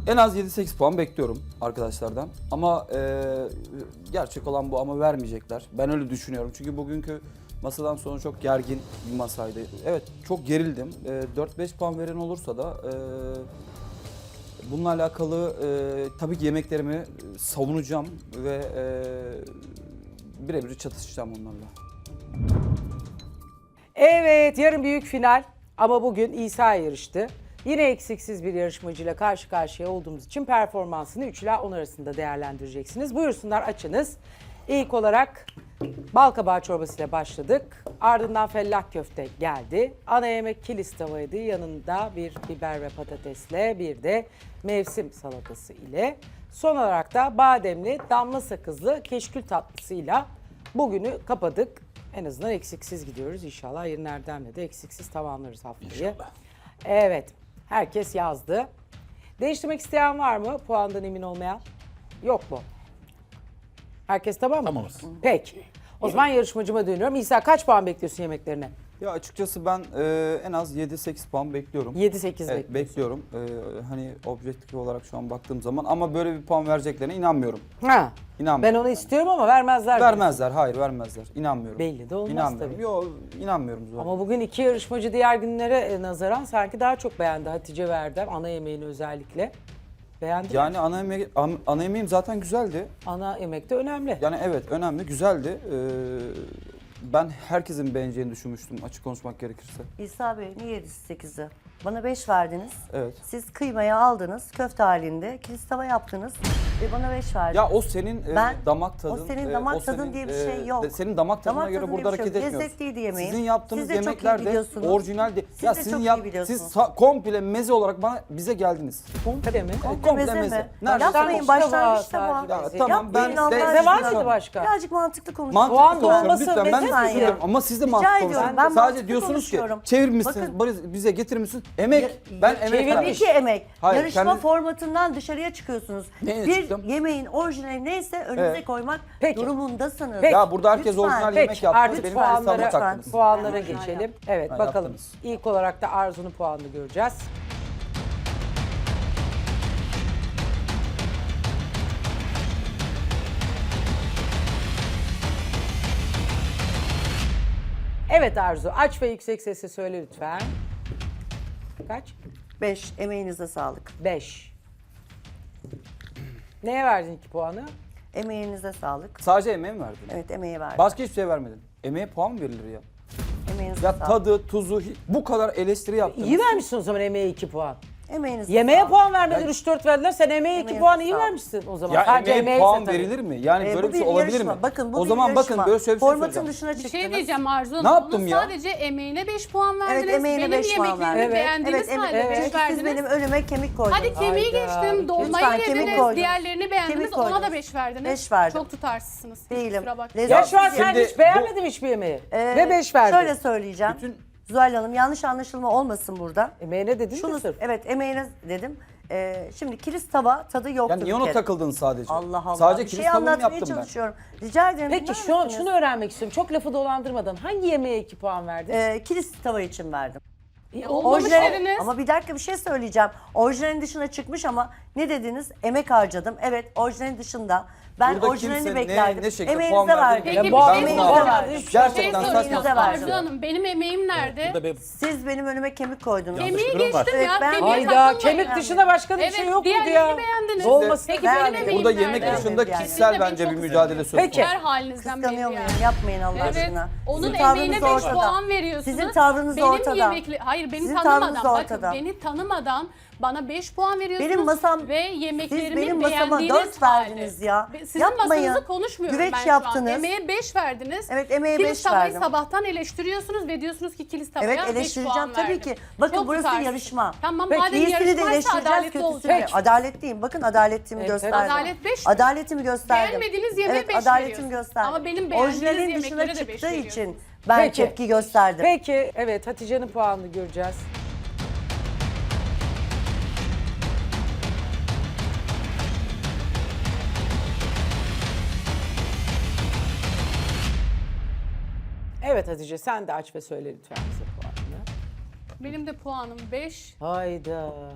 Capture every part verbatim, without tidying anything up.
En az yedi sekiz puan bekliyorum arkadaşlardan. Ama e, gerçek olan bu ama vermeyecekler. Ben öyle düşünüyorum. Çünkü bugünkü masadan sonra çok gergin bir masaydı. Evet çok gerildim. E, dört beş puan veren olursa da e, bununla alakalı e, tabii ki yemeklerimi savunacağım ve e, birebir çatışacağım onlarla. Evet, yarın büyük final ama bugün İsa yarıştı. Yine eksiksiz bir yarışmacıyla karşı karşıya olduğumuz için performansını üç ila on arasında değerlendireceksiniz. Buyursunlar, açınız. İlk olarak bal kabağı çorbasıyla başladık. Ardından fellah köfte geldi. Ana yemek kilis tavaydı. Yanında bir biber ve patatesle bir de mevsim salatası ile. Son olarak da bademli damla sakızlı keşkül tatlısıyla bugünü kapadık. En azından eksiksiz gidiyoruz. İnşallah yarın Erdem'le de eksiksiz tamamlarız haftayı. İnşallah. Evet. Herkes yazdı. Değiştirmek isteyen var mı? Puandan emin olmayan? Yok mu? Herkes tamam mı? Tamamız. Peki. O zaman yarışmacıma dönüyorum. İsa kaç puan bekliyorsun yemeklerine? Ya açıkçası ben e, en az yedi sekiz puan bekliyorum. yedi sekiz Evet, bekliyorsun. bekliyorum. Ee, hani objektif olarak şu an baktığım zaman ama böyle bir puan vereceklerine inanmıyorum. Ha. İnanmıyorum. Ben onu istiyorum ama vermezler. Vermezler, hayır vermezler. İnanmıyorum. Belli de olmaz İnanmıyorum. tabii. Yok, inanmıyorum zaten. Ama bugün iki yarışmacı diğer günlere e, nazaran sanki daha çok beğendi. Hatice Verdem ana yemeğini özellikle. Beğendi mi? Yani ana, yemeği, an- ana yemeğim zaten güzeldi. Ana yemek de önemli. Yani evet önemli, güzeldi. Ee, ben herkesin beğeneceğini düşünmüştüm açık konuşmak gerekirse. İsa Bey niye yedi sekizi? Bana beş verdiniz. Evet. Siz kıymayı aldınız köfte halinde. Kilis tava yaptınız ve bana beş verdiniz. Ya o senin e, Ben- damak tadın. o senin e, damak tadın senin, diye bir e, şey yok. de- senin damak tadına Damak göre tadın burada diye bir şey hareket yok. etmiyoruz. Lezzetliydi yemeğin. Sizin yaptığınız Siz de çok iyi yemekler de biliyorsunuz. orijinal değil. Siz Ya de sizin çok iyi yap, biliyorsunuz. siz sa- komple meze olarak bana bize geldiniz. Komple mi? Komple meze mi? Nerede? Yapmayın Sen başlangıçta kusura bu. bakma. Ya tamam ben Yapmayın Allah de- Meze var aşkına. mıydı başka? Birazcık mantıklı konuşun. Mantıklı Soğan konuşuyorum dolması lütfen. Ben de meze mi? söylüyorum ama siz de Rica mantıklı ediyorum, konuşun. ben Sadece mantıklı diyorsunuz ki konuşuyorum. çevirmişsiniz, Bakın- bari bize getirmişsiniz. Emek. Ya- ben ya- emek çevir- verdim. Tabii ki emek. Hayır, Yarışma kendi- formatından dışarıya çıkıyorsunuz. Neye bir çıktım? yemeğin orijinali neyse önünüze Evet. koymak Peki. durumundasınız. Peki. Ya burada herkes Lütfen. orijinal yemek Peki yaptı. artık Benim puanlara, hesabıma taktınız. puanlara geçelim. Evet Ha, bakalım. yaptınız. İlk olarak da Arzu'nun puanını göreceğiz. Evet Arzu, aç ve yüksek sesle söyle lütfen. Kaç? Beş, emeğinize sağlık. Beş. Neye verdin iki puanı? Emeğinize sağlık. Sadece emeğe mi verdin? Evet, emeğe verdim. Başka hiçbir şey vermedin. Emeğe puan mı verilir ya? Emeğinize Ya sağlık. tadı, tuzu, hi- bu kadar eleştiri yaptınız. İyi vermişsin o zaman emeğe iki puan. Emeğinize Yemeğe sağlık. puan vermediler, Ben- üç dört verdiler. Sen emeğe iki Emeğe puan iyi sağlık. vermişsin o zaman. Ya Sadece emeğe emeğe puan zaten. verilir mi? Yani Ee, böyle bu bir şey bir olabilir yarışma. mi? Bakın bu o bir zaman yarışma. bakın böyle şöyle bir şey Formatın söyleyeceğim. dışına Bir çıktınız. şey diyeceğim Arzu Hanım. Ne yaptım Ona ya? Sadece emeğine beş puan verdiniz. Evet, emeğine benim beş puan yemeklerimi verdim. beğendiğiniz Evet, halde evet. beş Çünkü verdiniz. siz benim önüme kemik koydunuz. Hadi kemiği Hayda. geçtim. Dolmayı Lütfen, kemik yediniz. koydunuz. Diğerlerini beğendiniz. Kemik Ona da koydunuz. beş verdiniz. Beş verdim. Çok tutarsızsınız. Değilim. Kusura bakmayın. Lezzet- Ya şu an sen Şimdi hiç beğenmedin hiçbir yemeği. Ee, Ve beş verdin. Şöyle söyleyeceğim. Bütün- Zuhal Hanım yanlış anlaşılma olmasın burada. Emeğine dedin Şunu, mi sırf? evet emeğine dedim. Ee, şimdi kilis tava tadı yoktu Yani niye bir ona kere. takıldın sadece? Allah Allah. Sadece bir kilis şey tavuğunu anlatmaya yaptım ben. çalışıyorum. Rica ederim. Peki dinler şu an misiniz? şunu öğrenmek istiyorum. Çok lafı dolandırmadan hangi yemeğe iki puan verdin? Ee, kilis tava için verdim. E, olmamış Orijinal- dediniz. ama bir dakika bir şey söyleyeceğim. Orijinalin dışına çıkmış ama ne dediniz? Emek harcadım. Evet, orijinalin dışında. Ben Burada orijinalini kimse ne- beklerdim. ne şekilde Emeğinize puan verdiğini verdim. Peki Ya bir bu şey adam Emeğinize var. soracağım. verdim. Şey Gerçekten soracağım. saçma. Arzu Hanım benim emeğim nerede? Burada bir Siz benim önüme kemik koydunuz. Yanlış Kemiği bir durum var. geçtim Evet, ya. ben- Kemiğe Hayda takılmayın. kemik dışında başka bir Evet, şey yok muydu diğerlerini ya? beğendiniz. Olmasın. Peki Ben- benim emeğim Burada nerede? yemek Nerede? dışında Yani. kişisel Kesinlikle bence çok bir güzel. mücadele söz Peki. konusu. Her halinizden belli Kıskanıyor muyum? yani. Yapmayın Allah Evet. aşkına. Onun Sizin emeğine tavrınız beş ortada. puan veriyorsunuz. Sizin tavrınız benim ortada. Yemekli... Hayır beni Sizin tanımadan. tavrınız Bakın ortada. beni tanımadan bana beş puan veriyorsunuz. Benim masam, ve siz yemeklerimi benim masama beğendiğiniz dört verdiniz halde. ya. Be- Sizin Yapmayın. masanızı konuşmuyorum Güveç ben şu yaptınız. an. Emeğe beş verdiniz. Evet, emeğe Kilis beş tavayı verdim. sabahtan eleştiriyorsunuz ve diyorsunuz ki kilis tavaya Evet beş puan eleştireceğim tabii verdim. ki. Bakın Çok burası tutarsız. yarışma. Tamam Peki, madem İyisini de yarışmaysa eleştireceğiz, adaletli kötüsünü de. olacak. Adaletliyim. Bakın adaletimi Evet, gösterdim. adalet beş mi? Adaletimi gösterdim. Beğenmediğiniz yemeğe evet, beş adaletimi veriyorsunuz. gösterdim. Ama benim beğendiğiniz Orijinalin dışına yemeklere de beş çıktığı için veriyorsunuz. ben Peki. tepki gösterdim. Peki evet Hatice'nin puanını göreceğiz. Evet Hatice sen de aç ve söyle lütfen bize puanını. Benim de puanım beş. Hayda.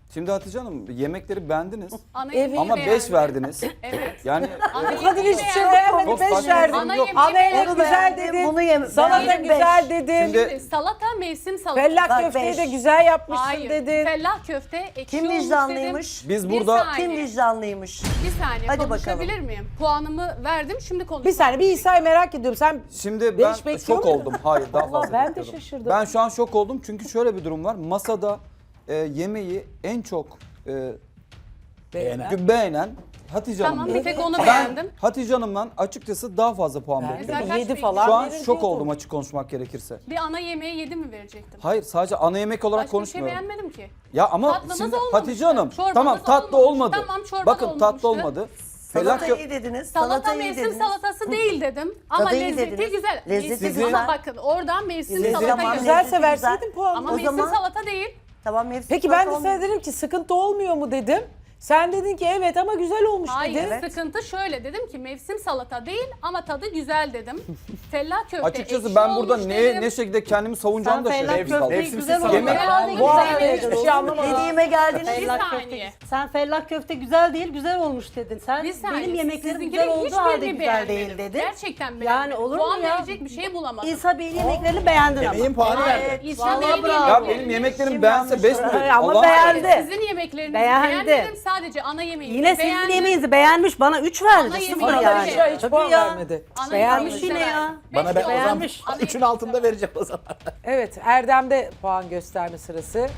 Şimdi Hatice Hanım yemekleri beğendiniz Ana Evet. yemeği ama beğendim. beş verdiniz. Evet. Yani Ana Bu kadın yemeği hiçbir şey beğendim. beğenmedi. Çok Beş saçma. verdi. Ana Yok. yemeği Ana yemek beğendim. Bunu güzel beğendim, dedin. bunu yem- Salata beğendim, güzel beş. dedin. Şimdi- Salata mevsim salatası. Fellah Bak, köfteyi beş. de güzel yapmışsın Hayır. dedin. Fellah köfte ekşi Kim olmuş vicdanlıymış? dedim. Biz Bir burada- saniye, Kim vicdanlıymış? Bir saniye Hadi konuşabilir bakalım. miyim? Puanımı verdim şimdi konuşmak. Bir saniye bir İsa'yı merak ediyorum. Sen Şimdi Beş ben bekliyor şok muydun? oldum. Hayır daha Allah, fazla ben de bekliyordum. şaşırdım. Ben şu an şok oldum çünkü şöyle bir durum var. Masada e, yemeği en çok e, beğenen. beğenen Hatice Tamam Hanım. bir tek onu Ben beğendim. Hatice Hanım'dan açıkçası daha fazla puan Ben bekliyorum. Güzel. yedi Kaç falan Şu an verir şok diyordum. oldum açık konuşmak gerekirse. Bir ana yemeği yedi mi verecektim? Hayır sadece ana yemek olarak Başka bir şey konuşmuyorum. beğenmedim ki. Ya ama Tatlınız şimdi olmamıştı. Hatice Hanım Çorbanız tamam tatlı olmamıştı. olmadı. Tamam, çorba da Bakın tatlı olmamıştı. olmadı. Felak Salata kö- iyi dediniz. Salata Salata iyi mevsim dediniz. salatası değil dedim. Ama Tadı iyi lezzeti dediniz. güzel. Lezzeti Mevsim- güzel. Ama bakın oradan mevsim Lezzeti salata ama geldi. Güzelse güzel. verseydin puanı. Ama O mevsim zaman- salata değil. Tamam mevsim Peki ben de salata sana olmuyor. dedim ki sıkıntı olmuyor mu dedim. Sen dedin ki evet ama güzel olmuş Hayır dedin. Evet. sıkıntı şöyle dedim ki mevsim salata değil ama tadı güzel dedim. Fellah köfte Açıkçası ekşi ben burada olmuş ne dedim. ne şekilde kendimi savunacağımı da Sen şaşırdım. fellah köfteyi kaldım. güzel salata. olmuş. Yemek- Bu hafta hiçbir şey anlamadım. Dediğime geldiniz. Bir Fellah saniye. köfte. Sen fellah köfte güzel değil, güzel olmuş dedin. Sen Bir saniye. benim yemeklerim Sizinkini güzel olduğu hiçbirini halde güzel beğenmedim. değil dedin. Gerçekten beğenmedim. Yani olur mu Puan ya? verecek bir şey bulamadım. İsa Bey'in yemeklerini beğendin ama. Yemeğin puanı verdi. İsa Vallahi Bey'in bravo. Ya yemeklerini- benim yemeklerim Kim beğense beş mi? Hayır, ama Allah beğendi. aşkına. Sizin yemeklerinizi Beğendi. beğenmedim. Sadece ana yemeği Yine sizin beğendim. yemeğinizi beğenmiş, bana üç Ana verdi. Sıfır yemeği yani. beğendi. Hiç Tabii puan ya. vermedi. Ana Beğenmiş yemeği yine ya. sever. Bana ben o zaman Beğenmiş. üçün altında vereceğim o zaman. Evet Erdem'de puan gösterme sırası.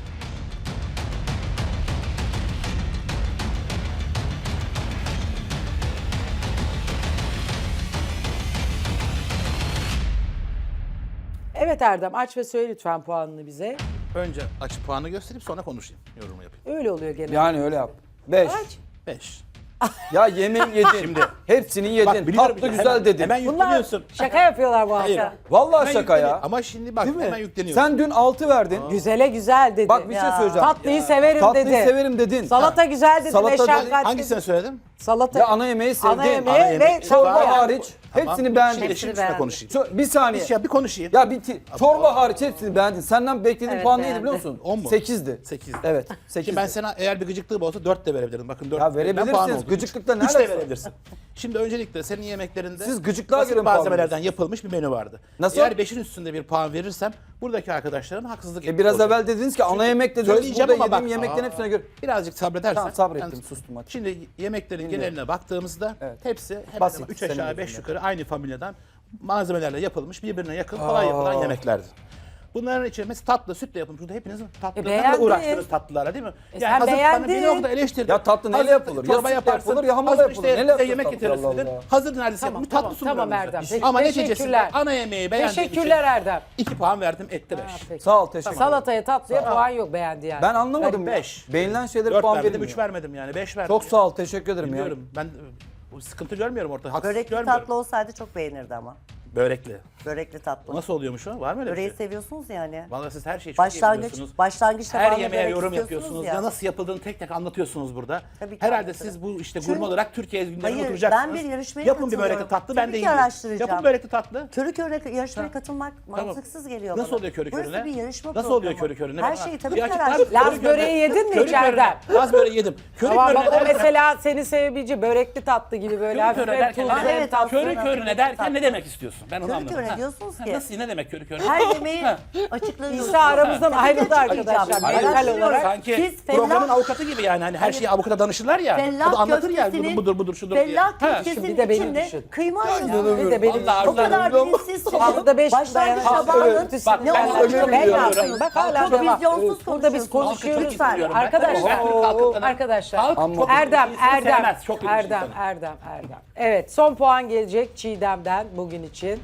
Evet Erdem aç ve söyle lütfen puanını bize. Önce açık puanı gösterip sonra konuşayım. Yorumu yapayım. Öyle oluyor genelde. Yani öyle yap. beş. Kaç? beş. Ya yemeği yedin. Şimdi- Hepsini yedin. Bak biliyorum Tatlı ya, güzel hemen- dedin. Hemen Bunlar yükleniyorsun. şaka yapıyorlar bu Hayır. hafta. Vallahi Hemen şaka ya. yükleniyor. Ama şimdi bak Değil mi? hemen yükleniyorsun. Sen dün altı verdin. Güzele güzel dedi. Bak bir şey Ya. söyleyeceğim. Tatlıyı severim Tatlıyı dedi. severim dedin. Salata güzel dedi. Salata meşakkatli Hangisini dedi. söyledim? Salata. Ya ana yemeği sevdin. Ana yemeği Ana ve yemek- çorba Çorba Tamam. hariç Tamam. hepsini beğendin. Şimdi, Hepsini şimdi beğendim. konuşayım. Ço- Bir saniye. Bir, şey, bir konuşayım. Ya bir ti- çorba hariç hepsini beğendin. Senden beklediğim Evet, puan neydi beğendim. biliyor musun? On mu? sekizdi. Sekiz. Evet, sekizdi. Şimdi ben sana eğer bir gıcıklığım olsa dört de verebilirim. Bakın dört. Ya verebilirsiniz. Gıcıklıkla ne Üç de alakası var? verebilirsin. Şimdi öncelikle senin yemeklerinde Siz gıcıklığa basit göre mi puan malzemelerden veriyorsunuz? yapılmış bir menü vardı. Nasıl? Eğer beşin üstünde bir puan verirsem buradaki arkadaşların haksızlık E etmiş biraz olacak. evvel dediniz ki ana yemek dediniz. Söyleyeceğim Burada ama yediğim bak- yemeklerin Aa. hepsine göre. Birazcık sabredersen. Tamam, sabrettim, Yani sustum hadi. Şimdi yemeklerin Dinliyorum. geneline baktığımızda Evet. hepsi hemen Basit, hemen üç senin aşağı beş gözünde. yukarı aynı familyadan malzemelerle yapılmış birbirine yakın kolay yapılan yemeklerdi. Bunların içinde mesela tatlı, sütle yapılmış. Burada hepinizin tatlılarla beğendin. uğraştınız tatlılara değil mi? E sen hazır bana beğendin. bir noktada eleştirdin. Ya tatlı neyle Hazır yapılır? Ya Çorba sütle yaparsın. yapılır, ya hamurla hazır yapılır. işte Neyle size yapacak yemek tatlı? getirirsin Allah dedin. Allah. Hazır neredeyse Tamam, yapılmış tamam, tatlı sunuyorum tamam size. Erdem. Teşekkür- Ama neticesinde teşekkürler. ana yemeği beğendiğim Teşekkürler Erdem. iki puan verdim etti beş. Peki. Sağ ol, teşekkür ederim. Salataya tatlıya puan yok beğendi yani. Ben anlamadım ya. beş. Beğenilen şeylere dört puan verdim, verilmiyor. üç vermedim yani beş verdim. Çok sağ ol, teşekkür ederim ya. Biliyorum. Ben bu sıkıntı görmüyorum ortada. Haksızlık Börekli görmüyorum. tatlı olsaydı çok beğenirdi ama. Börekli. Börekli tatlı. Nasıl oluyormuş o? Var mı öyle bir Böreği şey? seviyorsunuz yani. Vallahi siz her şeyi çok iyi Başlangıç, biliyorsunuz. başlangıçta Her bazı yemeğe börek yorum istiyorsunuz yapıyorsunuz. ya. Ya. nasıl yapıldığını tek tek anlatıyorsunuz burada. Tabii ki Herhalde anlatırım. siz bu işte Çünkü- gurme olarak Türkiye gündemine Hayır, oturacaksınız. ben bir yarışmaya Yapın bir katılıyorum. börekli tatlı Tabii ben de ki yiyeyim. araştıracağım. Yapın börekli tatlı. Körü körüne yarışmaya katılmak Tamam. mantıksız geliyor Nasıl bana. oluyor körü Burası körüne? bir yarışma Nasıl programı. oluyor körü körüne? Her Bana- şeyi tabii Bir ki açıklar araştıracağım. Laz körü körüne- böreği yedin mi körü içeriden? körüne- Laz böreği yedim. Körü Tamam bak körüne o derken- mesela seni sevebileceği börekli tatlı gibi böyle Körü hafif körüne hem derken, tuzlu Evet, hem evet, tatlı. körü Tatlı. körüne derken ne demek istiyorsun? Ben onu Körü anlamadım. körüne Ha. diyorsunuz Ha, ki- Nasıl ne demek körü körüne? Her yemeği Ha. açıklıyorsunuz. İsa aramızdan ayrıldı arkadaşlar. Hayır, Mental olarak. sanki Siz programın fellah- avukatı gibi yani hani her şeyi avukata danışırlar ya. Fellah o da anlatır ya köftesinin- budur budur budur şudur diye. Fellah Ha. köftesinin Bir de beni içinde düşün. kıyma Bir yiyorsunuz. de benim Vallahi O kadar Arzu'dan- bilinçsizsiniz. Burada beş Başlangıç dayanamaz. tabağının Evet. Bak, ne ben olduğunu özür Ben ne diliyorum. yapayım? Bak hala Çok devam. vizyonsuz Burada biz konuşuyorsunuz. konuşuyoruz. Lütfen. Ben- Arkadaşlar, ben Türk halkından- arkadaşlar. Halk Ama- çok Erdem, iyisini Erdem, sevmez, çok iyi bir Erdem, insanı. Erdem, Erdem. Evet, son puan gelecek Çiğdem'den bugün için.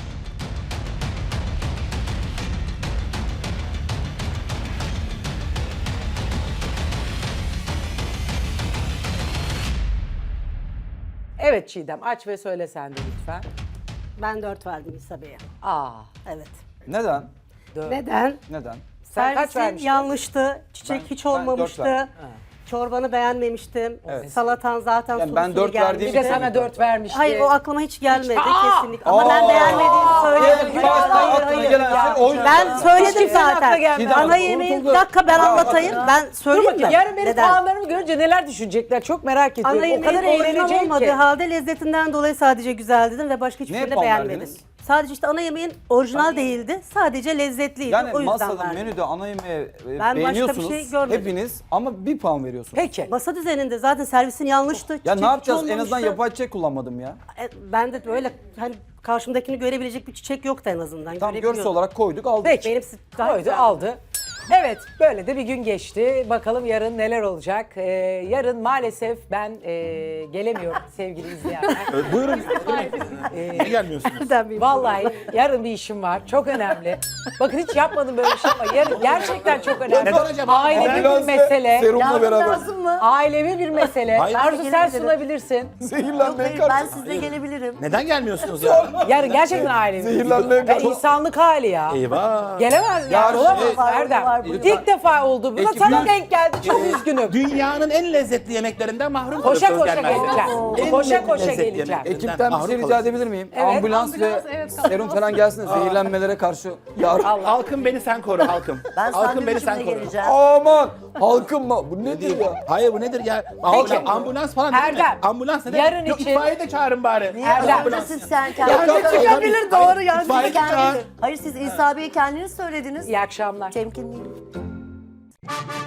Evet Çiğdem, aç ve söyle sen de lütfen. Ben dört verdim İsa Bey'e. Aa, Evet. Neden? dört. Neden? Neden? Sen kaç Servisi vermiştin? yanlıştı. Çiçek Ben- hiç ben dört olmamıştı. verdim. Çorbanı beğenmemiştim. Evet. Salatan zaten Yani sulu ben sulu dört gelmişti. verdiğim Bir de için- sana dört vermişti. Hayır o aklıma hiç gelmedi Aa! kesinlikle. Ama ben Aa! beğenmediğimi söyledim. Evet, başta aklına gelen şey oydu. Ben söyledim kimsenin aklına zaten. gelmedi. Ana yemeği bir dakika ben anlatayım. Ben Dur söyleyeyim bakayım mi? yarın benim Neden? puanlarımı görünce neler düşünecekler çok merak ediyorum. Ana O kadar yemeğin orijinal eğlenecek olmadığı ki. halde lezzetinden dolayı sadece güzel dedim ve başka hiçbir Neye şeyle puan beğenmedim. verdiniz? Sadece işte ana yemeğin orijinal değildi. Sadece lezzetliydi. Yani o yüzden masada, verdim. menüde, ana yemeği e, Ben başka bir beğeniyorsunuz şey görmedim. hepiniz ama bir puan veriyorsunuz. Peki. Masa düzeninde zaten servisin yanlıştı. Ya Çiçek ne yapacağız? hiç En azından olmamıştı. yapay çiçek kullanmadım ya. E, Ben de böyle hani karşımdakini görebilecek bir çiçek yoktu en azından. Tam Görebiliyordum. görsel olarak koyduk aldık. Peki. Benimsi daha Koydu güzeldi. aldı. Evet böyle de bir gün geçti. Bakalım yarın neler olacak. Ee, yarın maalesef ben e, gelemiyorum sevgili izleyenler. Buyurun. Niye gelmiyorsunuz? Nereden bileyim? Vallahi yarın bir işim var. Çok önemli. Bakın hiç yapmadım böyle bir şey ama yarın gerçekten çok önemli. Neden acaba? Ailevi bir Ambulans ve mesele. Serumla Yardım beraber. lazım mı? Ailevi bir mesele. Hayır. Arzu sen Gelebilirim. sunabilirsin. Yok Zehirlenmeye hayır ben karşı. sizle gelebilirim. Neden gelmiyorsunuz ya? Yarın gerçekten ailevi. Zehirlenmeye Ve karşı. insanlık hali ya. Eyvah. Gelemez Ya yani olamaz şey- Var, Erdem. var, buyurun. İlk defa oldu. Buna Ekipler- sana denk geldi. Çok üzgünüm. Dünyanın en lezzetli yemeklerinden mahrum Koşa kalıyorsunuz koşa gelmezseniz. geleceğim. En Koşa koşa lezzetli geleceğim. yemeklerinden Ekipten bir mahrum şey rica kalıyorsunuz. edebilir miyim? Evet. Ambulans, ve Ambulans, evet, kalın. serum falan gelsin zehirlenmelere karşı. Yarın. Halkım beni sen koru halkım. Ben halkım beni sen sandviçimle koru. geleceğim. Aman halkım mı? Bu nedir ya? Hayır bu nedir ya? Peki. Ambulans, ambulans falan ne demek? Erdem, Ambulans ne demek? yarın Yok, için- itfaiye de çağırın bari. Erdem. Ambulans. Siz sen Ya, kendiniz tabii, tabii. çıkabilir, Hayır, doğru yani. itfaiye de çağır. kendiniz. Hayır siz İsa Bey'i kendiniz söylediniz. İyi akşamlar. Temkinliyim.